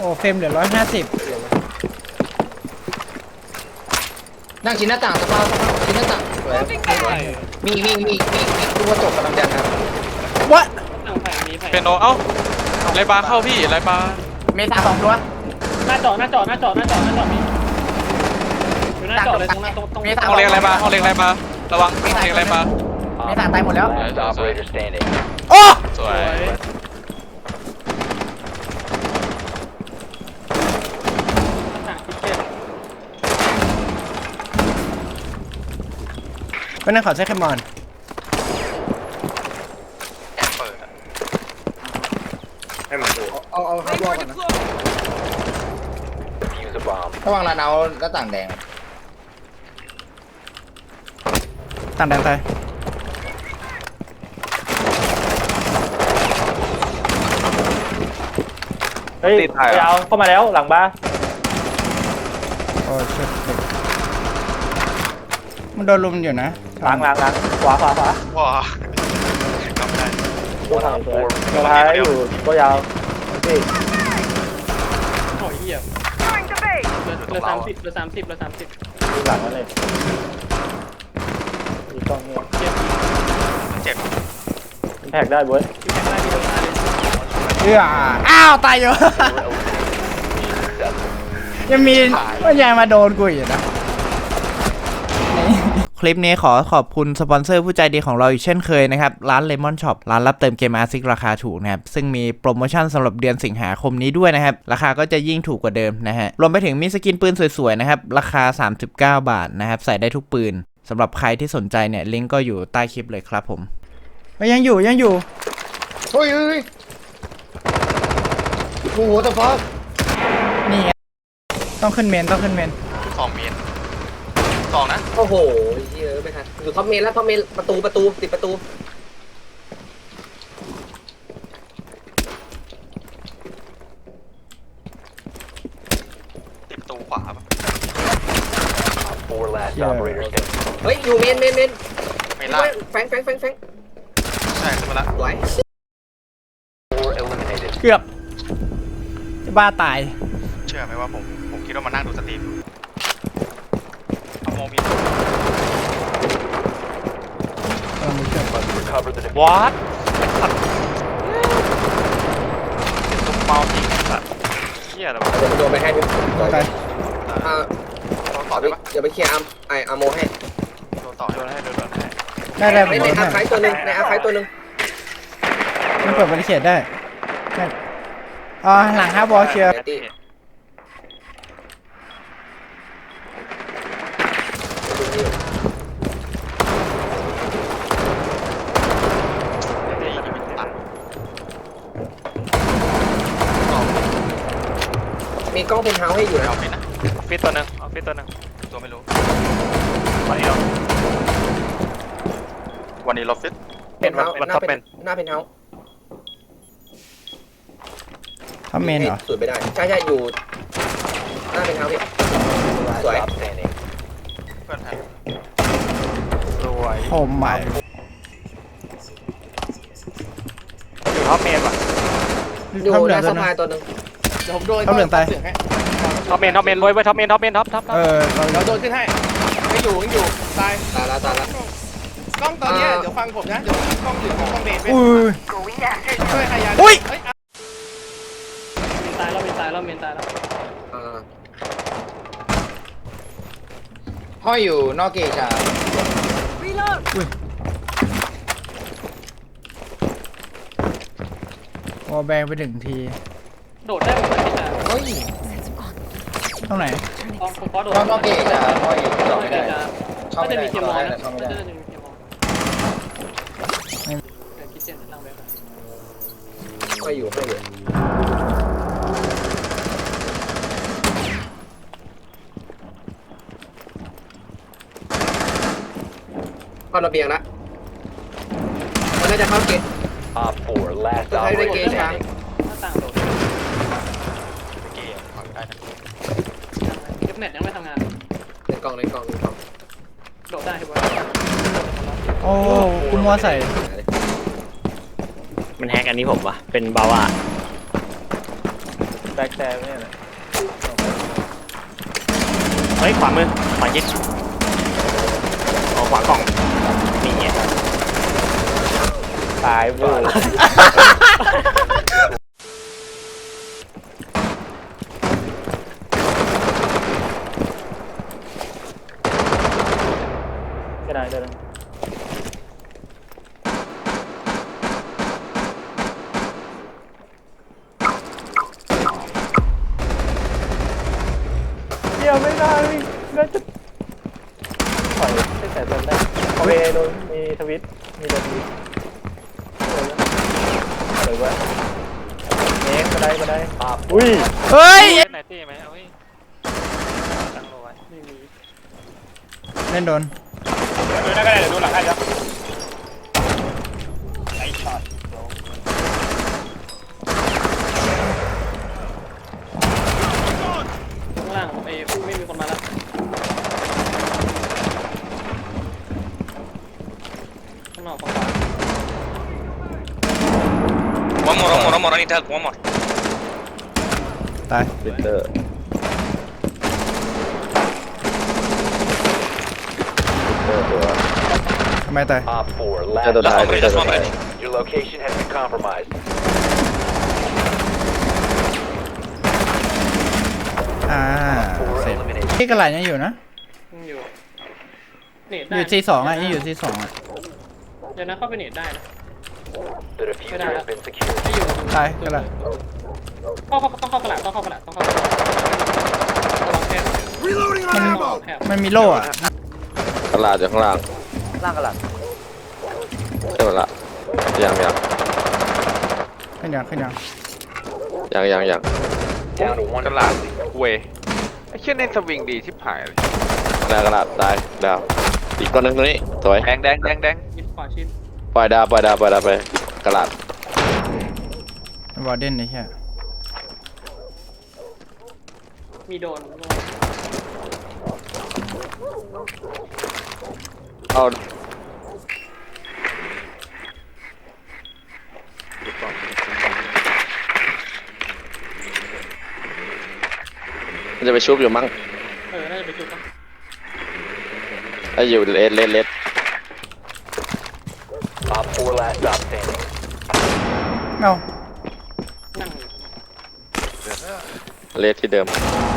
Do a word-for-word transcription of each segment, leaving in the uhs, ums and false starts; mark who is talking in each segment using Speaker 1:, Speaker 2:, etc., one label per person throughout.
Speaker 1: เฟรมเหลือร้อยห้าสิบ
Speaker 2: นั่งชิ้นหน้าต่างสภาพชิ้นหน้าต่างมีมีมีมีมีตัวจบกำลังจะนะ
Speaker 1: วะ
Speaker 3: เป็นโนเอ้าไรบาเข้าพี่ไรบา
Speaker 2: เมษาสองตัว
Speaker 4: หน้าจอหน้าจอหน้าจอหน้าจอหน้าจอมีอยู่หน้าจอเลยตรงหน้าตรงตรง
Speaker 3: ห้องเลี้ยงไรบาห้องเลี้ยงไรบาระวังห้องเลี้ยงไรบา
Speaker 2: เมษาตายหมดแล้ว
Speaker 1: โอ้
Speaker 3: สวย
Speaker 1: เป็นนักข่าวใช้แคมมอน
Speaker 2: ให้มันดูเอาเอาให้บอลก่อนนะระวังลานเอาหน้าต่างแดง
Speaker 1: ต่างแดงตาย
Speaker 4: เฮ้ยยาวเข้ามาแล้วหลังบ้า
Speaker 1: โอ้ชิบมันโดนลุมอยู่นะ
Speaker 4: หลังหลังหลังขวาขวาขวา
Speaker 3: ว้าทำได้
Speaker 4: ตัวท้ายตัวท้ายอยู่ตัวยาวพี่โอ้ยเหี้ยเหลือสามสิบเหลือสามสิบเหลือสามสิบหลังนั่นเลยมีกล้องเนี่ยเจ็บ
Speaker 3: เจ็บ
Speaker 4: แท็กได้เว้ยแท็กได้ดีเลย
Speaker 1: เอออ้าวตายอยู่ยังมีว่ายังมาโดนกูอยู่นะคลิปนี้ขอขอบคุณสปอนเซอร์ผู้ใจดีของเราอีกเช่นเคยนะครับร้าน Lemon Shop ร้านรับเติมเกมอาร์ซิกราคาถูกนะครับซึ่งมีโปรโมชั่นสำหรับเดือนสิงหาคมนี้ด้วยนะครับราคาก็จะยิ่งถูกกว่าเดิมนะฮะรวมไปถึงมีสกินปืนสวยๆนะครับราคาสามสิบเก้าบาทนะครับใส่ได้ทุกปืนสำหรับใครที่สนใจเนี่ยลิงก์ก็อยู่ใต้คลิปเลยครับผมยังอยู่ยังอยู่
Speaker 2: เฮ้ยเฮ้ยโอ้โหตะฟอก
Speaker 1: นี่ต้องขึ้นเมนต้องขึ้นเมน
Speaker 3: สองเมนสองนะ
Speaker 2: โอ้โหเยอะไม่ทันอยู่ท็อปเมนแล้วท็อปเมนประตูประตูติดประตู
Speaker 3: ติดประตูขวาป่ะ
Speaker 2: เฮ้ยอยู่เมนเมนเมน
Speaker 3: เมนล่าง
Speaker 2: แฟงแฟงแฟงแฟง
Speaker 3: ใช่ขึ้นมาละ
Speaker 2: ไหว
Speaker 1: เกือบจะบ้าตาย
Speaker 3: เชื่อไหมว่าผมผมคิดว่ามานั่งดูสตรีมเอาโมบินวอตเมาจริงสัตว์เหี้ยอะไรวะ
Speaker 2: เดี๋ยวโดนไปให้พี่
Speaker 1: โดนไป
Speaker 2: อ่าต่อได้ปะเดี๋ยวไปเคลียร์อาร์มไออาร์โมให้
Speaker 3: โดนต่อโดนให้โดนให้
Speaker 1: ได้ได้
Speaker 2: ในอาร์ไคตัวนึงในอาร์ไคตัวนึง
Speaker 1: มันเปิดบริเขตได้อ๋อหลังฮาร์บอลเชียร์
Speaker 2: มีกล้องเพนเฮาส์ให้อยู่นะ
Speaker 3: เอาฟิตนะฟิตตัวนึงเอาฟิตตัวนึงตัวไม่รู้วันนี้วันนี้เราฟิต
Speaker 2: เพนเฮาส์หน้าเป็นหน้าเพนเฮาส์
Speaker 1: ทำเมนเหรอ
Speaker 2: สวยไปได้ใช่ใช่อยู่หน้าเพนเฮาส์พี่สวย
Speaker 3: เพื่อนไทยรวย
Speaker 1: โอ้ไม่
Speaker 3: อยู่ท็อปเมนว่ะ
Speaker 2: อยู่หน้าสะพายตัวนึง
Speaker 1: เดี๋ยวผมโดนเขาเหลืองตาย
Speaker 3: ท็อปเมนท็อปเมนรวยไว้ท็อปเมนท็อปเมนท็อปท็อป
Speaker 1: เออ
Speaker 5: เราโดนขึ้นให้ไม่อยู่ไม่อยู่ตาย
Speaker 2: ตายแล้วตายแล้ว
Speaker 5: กล้องตอนนี้เดี๋ยวฟังผมนะเดี๋ยวกล้องอยู่กล้องเบส
Speaker 1: อุ้ย
Speaker 5: ช่วยขยัน
Speaker 1: อุ้ย
Speaker 4: ตายแล้วเมนตายแล้วเมนตายแล้ว
Speaker 2: ห้อยอยู่นอกเกจอ่ะ
Speaker 1: อุ้ยโอ้แบงไปหนึ่งที
Speaker 4: โดดได้หมดเลยจ้ะ
Speaker 2: เฮ้ย
Speaker 1: ตรงไหน
Speaker 4: อ๋อผมขอโดด
Speaker 2: นอกเกจอ่ะห้อยอยู่โดดไม่ได้
Speaker 4: ก็จะมีเทียมมอนนะก็จะมีเทียมมอนแต่คิดเจนนั่งไป
Speaker 2: ห้อยอยู่ห้อยอยู่เข้าระเบียงละมันน่าจะเข้าเกจจะให้ได้เกจช้าง
Speaker 4: หน้าต่างโดด
Speaker 3: เกย์ขอได้นะ
Speaker 4: เก็บเน็ตยังไม่ทำงาน
Speaker 2: ในกล่องในกล่องในกล่อง
Speaker 4: โดดได้ใช่ไหม
Speaker 1: โอ้คุณมัวใส่
Speaker 6: มันแฮกอันนี้ผมวะเป็นบาวา
Speaker 4: แบ็กแซมเนี่ยนะ
Speaker 3: เฮ้ยขวามือขวายิดอ๋อขวากล่องนี่ไง
Speaker 4: ตายเวอร์ก็ได้ได้เดี๋ยวไม่ได้น่าจะปล่อยให้แต่ตอนได้โอเคโดนมีทวิตมีโดนทวิตอะไรวะเน็กก็ได้ก็ได้อุ้ย
Speaker 1: เฮ้ย
Speaker 3: เล่นไหนตีไหมเอาไว้ตั้งโลไว้ไม่มี
Speaker 1: เล่นโดน
Speaker 3: ดูได้ก็ได้เดี๋ยวดูหลังให้ครับไอ้ช็อต
Speaker 4: ข้างล่างไอ้ไม่มีคนมาแล้วข้างนอกฝั่งขวา
Speaker 3: one more one more one more I need help one more
Speaker 1: ตาย
Speaker 6: ปิเตอร์ปิเตอร์ตัว
Speaker 1: ทำไมตาย
Speaker 7: Op four,
Speaker 6: เจอ
Speaker 7: last
Speaker 6: ตัวท้าย
Speaker 7: operator
Speaker 6: เจอตัวท้าย
Speaker 7: standing. Your location has been compromised.
Speaker 1: อ่า
Speaker 7: Four
Speaker 1: เสร็จ
Speaker 7: eliminated.
Speaker 1: ที่กระไหลยังอยู่นะ
Speaker 4: ยังอยู่เน็ต
Speaker 1: อ
Speaker 4: ได้
Speaker 1: ยู่ซีสองอ่ะยังอยู่ซีสองอ่ะ
Speaker 4: เดี๋ยวนะเข้าไปเน็ตได้นะ
Speaker 7: The diffuser has been secured.
Speaker 4: ไม่อยู่
Speaker 1: ตายกระไหล
Speaker 4: เข้าเข้าต้องเข้ากระดาษต้องเข้ากระดาษต้องเข้ากระดาษระวังแคบ
Speaker 1: มัน
Speaker 4: ระวังแคบ
Speaker 1: มันมีโล่อ่ะ
Speaker 6: กระลาดอยู่ข้างล่าง
Speaker 2: ล่างกระหลัง
Speaker 6: ใช่ไหมล่ะยังยัง
Speaker 1: ขึ้นยังขึ้นยัง
Speaker 6: ยังยังยัง
Speaker 7: Down to one.
Speaker 3: กระลาดเวยไอ้เชี่ยเน้นสวิงดีชิบหายเลย
Speaker 6: กระลาดกระลาดตายดาวอีกตัวหนึงตัวนี้สวย
Speaker 3: แดงแดงแดงแดง
Speaker 4: ยิดขวาชิด
Speaker 6: ปล่อยดาวปล่อยดาวปล่อยดาวไปกระลาด
Speaker 1: วอร์เดนไอ้เหี้ย
Speaker 4: มีโดน
Speaker 6: เอามันจะไปชุบอยู่มั้ง
Speaker 4: เออน่าจะไปจุดป่ะ
Speaker 6: ถ้าอยู่เลสเลสเลส
Speaker 7: Op four, last stop standing.
Speaker 1: เอ้า
Speaker 4: นั่งอยู่
Speaker 6: เลสที่เดิม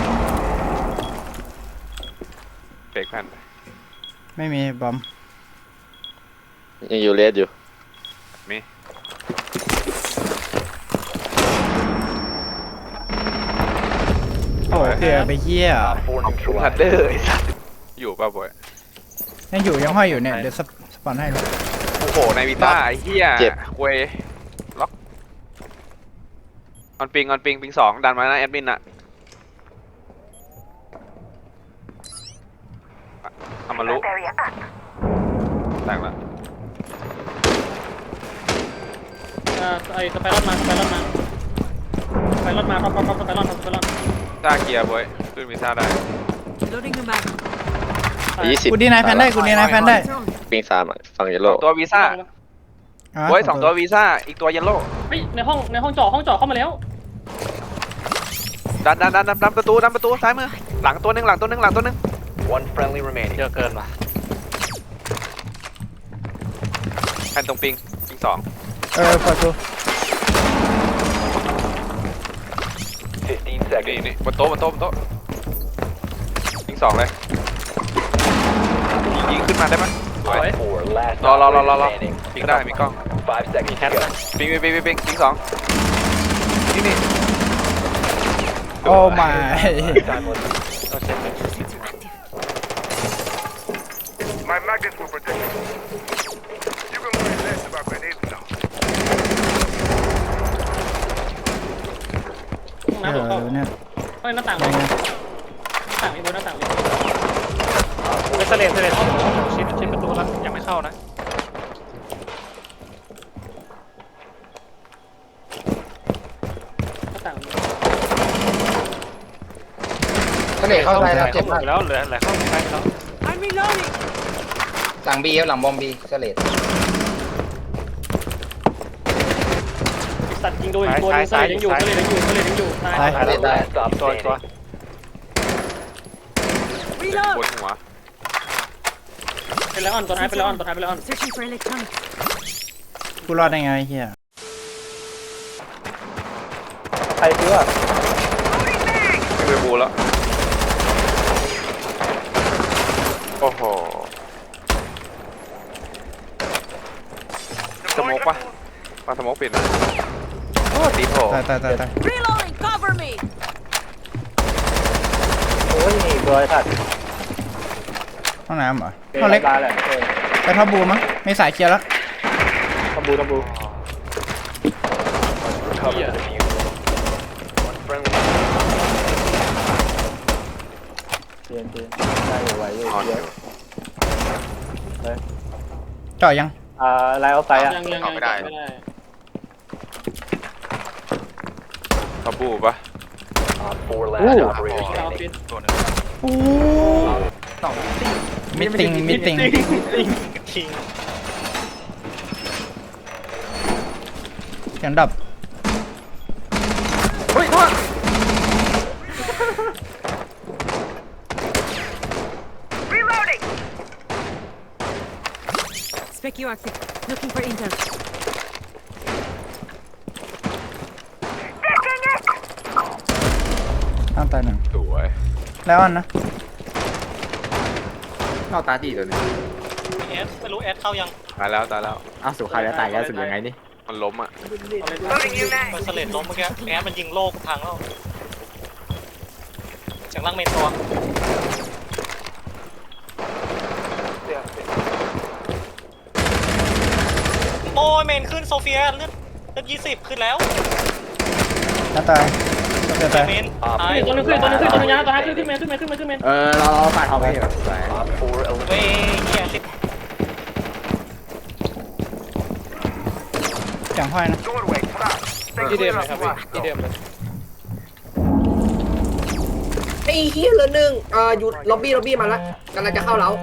Speaker 3: เบรกแผ่น
Speaker 1: ไม่มีบอม
Speaker 6: ยังอยู่เลสอยู่
Speaker 3: มี
Speaker 1: โอ้เผื่อไปเหี้ย
Speaker 7: Op four
Speaker 3: ทัด
Speaker 7: neutralized.
Speaker 3: เดอร์ไอ้สัสอยู่ป่ะบอย
Speaker 1: ยังอยู่ยังห้อยอยู่เนี่ยเดี๋ยวสปสปอนให้เลย
Speaker 3: โอ้โหในวิต้าไอ้เหี้ยเวยล็อกออนปิงออนปิงปิงสองดันมานะแอดมินอะอามารุแตกละ
Speaker 4: เออไอ้สไปรอนมาสไปรอนมาสไปรอนมาท็อปท็อปท็อปสไปรอนท็อปสไปรอน
Speaker 3: ซ่าเกียร์บอยขึ้นวีซ่าได้
Speaker 8: Loading the mag.
Speaker 6: ยี่สิบ
Speaker 1: กูดีนายแพนได้กูดีนายแพนได้
Speaker 6: ปิงสามอ่ะฝั่งเยล
Speaker 3: ส
Speaker 6: โล่
Speaker 3: องตัววีซ่า
Speaker 1: อ่ะ
Speaker 3: บอยสองตัววีซ่าอีกตัวเยลโล่
Speaker 4: เฮ้ยในห้องในห้องจอห้องจอเข้ามาแล้ว
Speaker 3: ดันดันดันดันดันประตูดันประตูซ้ายมือหลังตัวหนึ่งหลังตัวหนึ่งหลังตัวหนึ่ง
Speaker 7: One friendly remaining.
Speaker 3: เยอะเกินว่ะแผ่นตรงปิงปิงสอง
Speaker 1: เออปล่อยกู
Speaker 7: Fifteen
Speaker 3: นี่
Speaker 7: seconds.
Speaker 3: นี่บนโต๊ะบนโต๊ะบนโต๊ะปิงสองเลยยิงขึ้นมาได้ไหมสวย
Speaker 7: Op four, last
Speaker 3: รอรอรอรอรอ
Speaker 7: operator standing.
Speaker 3: ปิงได้มีกล้อง
Speaker 7: Five seconds to go.
Speaker 3: ปิงปิงปิงปิงปิงปิงสองนี่นี่
Speaker 1: โอ้ my
Speaker 7: Time limit.
Speaker 9: My magnets will protect you. You can worry less about grenades now.
Speaker 4: ห้อง
Speaker 1: เอ
Speaker 4: น้ำหลบเข้า
Speaker 1: อเนี่ย
Speaker 4: เฮ้ยหน้าต่างเลยหน้าต่างมีบนหน้าต่างเลย
Speaker 3: เอสเลนเอสเลนชิดชิดประตูแล้วยังไม่เข้านะ
Speaker 4: หน้าต่าง
Speaker 2: ทะเลเข้าไปแล้วเจ็บมาก
Speaker 3: แล้วเหลือเหลือเข้าไปแล้ว
Speaker 8: I'm reloading.
Speaker 2: หลังบีครับหลังบอมบีทะเล
Speaker 3: ส
Speaker 4: สัตว์ยิงโดนอีกตัวนึงเสลดยังอยู่เสลดยังอยู่เสลดยังอยู่ตาย
Speaker 1: ตาย
Speaker 2: ตายเลยตาย
Speaker 7: Last stop
Speaker 3: ตัวตัว
Speaker 7: standing.
Speaker 3: บนหัว
Speaker 4: เป็นแล้วอ่อนตัวท้ายเป็นแล้วอ่อนตัวท้ายเป็นแล้วอ่อน
Speaker 8: Searching for electronics.
Speaker 1: กูรอดได้ไงไอ้เฮีย
Speaker 4: ใครซื้ออ่ะ
Speaker 3: ไม่ไปบูแล้วโอ้โหสโมกปะมาสโมกปิดนะโอ้ตีโถ
Speaker 1: ตายตายตายตาย
Speaker 8: Reloading. Cover me.
Speaker 4: โอ้ยนี่ตัวไอ้สัตว์
Speaker 1: ห้องน้ำเหรอห้องเล็ก
Speaker 4: ตายแหละเออ
Speaker 1: ไปท็อปบูมั้งไม่สายเคลียร์แล้ว
Speaker 4: ตะบูตะบู
Speaker 7: Recover the diffuser. One friendly.
Speaker 4: เตียนเตียนได้อยู่ไหวอยู่
Speaker 3: ออนอ
Speaker 4: เย
Speaker 3: ยู่
Speaker 4: อะ
Speaker 1: เจาะยัง
Speaker 4: อ่าไลน์เอาไซอ่ะ
Speaker 3: ยังยังยังไม่ได้ เขาบูปะ
Speaker 7: Op four last operator
Speaker 4: เอา
Speaker 7: standing.
Speaker 4: ปิด
Speaker 1: โอ้มิตติงมิตติงเสียงดับ
Speaker 2: เฮ้ยโทษ
Speaker 8: Spec you active. Looking for intel.
Speaker 1: ข้างตายหนึ่ง
Speaker 3: สวย
Speaker 1: แล้วอันนะ
Speaker 2: เข้าตาตีตัวนี้
Speaker 4: เอสไม่รู้เอสเข้ายัง
Speaker 3: ตายแล้วตายแล้ว
Speaker 2: อ้าวสุดท้ายแล้วตายแล้วสุดยังไงนี่
Speaker 3: มันล้มอ่ะ
Speaker 4: มันเสลดล้มเมื่อกี้แอสมันยิงโลกพังแล้วจากล่างเมนตัวโอ้ยเมนขึ้นโซเฟียเลือดเลือดยี่สิบขึ้นแล้ว
Speaker 1: แล้วตายเจอตาย
Speaker 4: เมนตายตัวนึงขึ้นตัวนึงขึ้นตัวนึงยาวตัวท้ายขึ้นขึ้นเมนขึ้นเมนขึ้นเมนขึ้นเมน
Speaker 2: เออเราเราปาดเอาไปเถอะ
Speaker 7: Op four
Speaker 4: เว้ย
Speaker 7: eliminated.
Speaker 4: เหี้ยสิบ
Speaker 1: เสียงห้อยนะ
Speaker 9: Doorway, crack.
Speaker 5: ที่เดิมเลยครับพี่ที่เดิมเลย
Speaker 2: ไอ้เฮียเหลือหนึ่งเอ่ออยู่ล็อบบี้ล็อบบี้มาแล้วกำลังจะเข้าแล้ว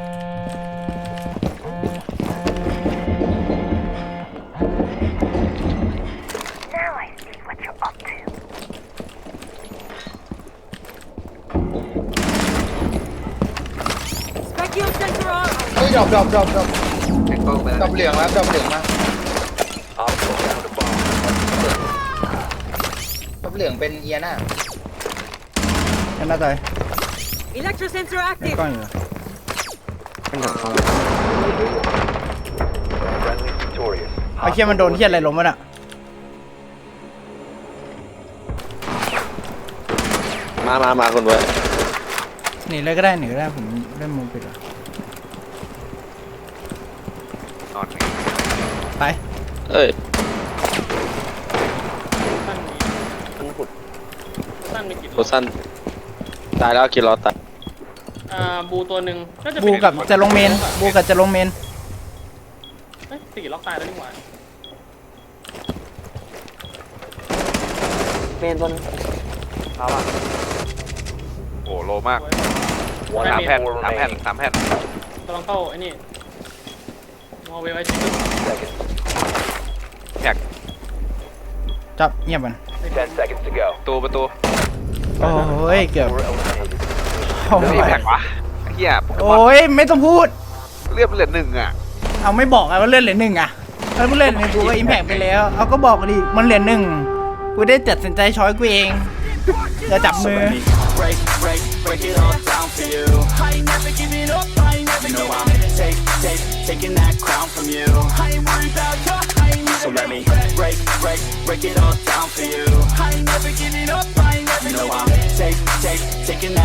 Speaker 8: Spec you sensor on.
Speaker 5: เฮ้ยดรอปดรอปดรอปดรอป
Speaker 2: แข่งกล้องไป
Speaker 5: ดร
Speaker 2: แล้
Speaker 5: อ
Speaker 2: ว
Speaker 5: ปเหลืองแล้วดรอปเหลืองมา
Speaker 7: Op four found a bomb.
Speaker 5: ดรอปเหลืองเป็นเอียน่า
Speaker 1: แค่หน้าตาย
Speaker 8: Electro sensor
Speaker 1: เป็น
Speaker 8: active.
Speaker 1: กล้องอยู่
Speaker 7: Friendly victorious.
Speaker 1: ไอ้เคียมันโดนเคียอะไรล้มวะน่ะ
Speaker 6: มามามาคนไว้
Speaker 1: หนีเลยก็ได้หนีก็ได้ผมเล่นมุมปิดแล้ว
Speaker 3: นอน
Speaker 1: ไป
Speaker 6: เอ้ย
Speaker 4: สั้นมีสั้นมีกี่
Speaker 6: โคสั้นตายแล้วกินรอตาย
Speaker 4: อ่าบูตัวหนึ่งก็จะ
Speaker 1: บูกับจะลงเมนบูกับจะลงเมน
Speaker 4: เฮ้ยสี่ล็อกตายแล้วนี่หว่า
Speaker 2: เมนบน
Speaker 3: โอ้โลมาก
Speaker 7: One
Speaker 3: สาม
Speaker 7: op
Speaker 3: แผ่น
Speaker 7: four
Speaker 3: สามแผ่น
Speaker 7: remaining.
Speaker 3: สามแผ่น
Speaker 4: กำลังเข้าไอ้นี่มอเวลไอชิ
Speaker 7: Seconds.
Speaker 3: แท็ก
Speaker 1: จับเงียบมัน
Speaker 7: Ten seconds to go.
Speaker 3: ประตูประตู
Speaker 1: โอ้ยเกือบ
Speaker 7: Four eliminated.
Speaker 1: โอ้
Speaker 3: เฮ้ย
Speaker 1: ย
Speaker 3: แท็กวะไอ้เหี้ยโปเกมอน
Speaker 1: โอ้ยไม่ต้องพูด
Speaker 3: เลือดเหลือหนึ่งอ่ะ
Speaker 1: เอาไม่บอกอะว่าเลื่อนเหรียญหนึ่งอะถ้ากูเลื่อนหนึ่งกูก็อิมแพกไปแล้ว เอาก็บอกดิมันเหรียญหนึ่งกูได้ตัดสินใจช้อยกูเองจะจับมือ
Speaker 10: break, break, break it all down for you. I ain't never giving up, I ain't never you know I'm take, take, taking that crown from you. I ain't worried about you, I ain't never so let me break, break, break it all down for you. I ain't never giving up, I ain't never you know I'm take, take, taking that